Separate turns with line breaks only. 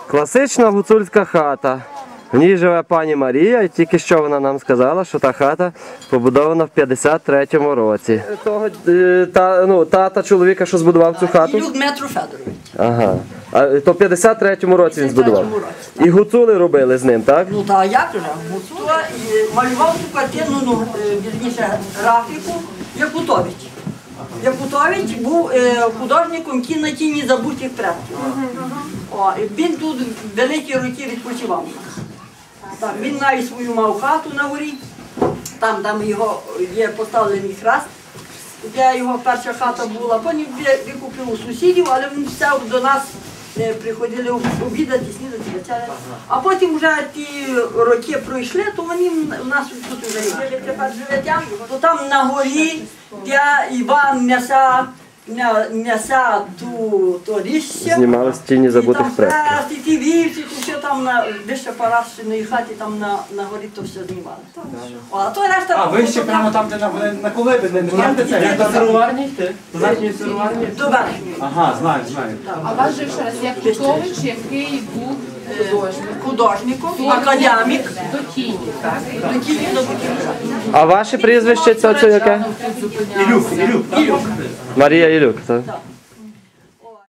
Класична гуцульська хата. В ній живе пані Марія, і тільки що вона нам сказала, що та хата побудована в 53-му році. Тата чоловіка, що збудував цю хату?
Ілюк Дмитро Федорович.
Ага. То в 53-му році він збудував? І гуцули робили з ним, так?
Ну так, як же? Гуцула малював цю картину, вірніше, графіку Якутович. Якутович був художником кіно «Тіні забутих предків». Він тут великі роки відпочивав. Так, він навіть свою мав хату на горі, там його є поставлений хрест, де його перша хата була, потім викупив у сусідів, але він все до нас приходили обідати, снідати, вечеряти. А потім вже ті роки пройшли, то вони в нас тут вже жили тепер живуть, то там на горі, де Іван несе то ліще.
Знімали з «Тіні забутих предків».
І ті вівці, то все там на вище Парашиної хаті, там на горі то все знімали.
А ви ще прямо там, де на колиби, не знаєте це? Як до сироварні йти? До верхньої сироварні?
До верхньої.
Ага, знаю.
А вас же ще раз Якутович, який був
Художником, академік.
до тіні, так?
До тіні забутих.
А ваше прізвище це яке?
Ілюк.
Марія Ілюк, так?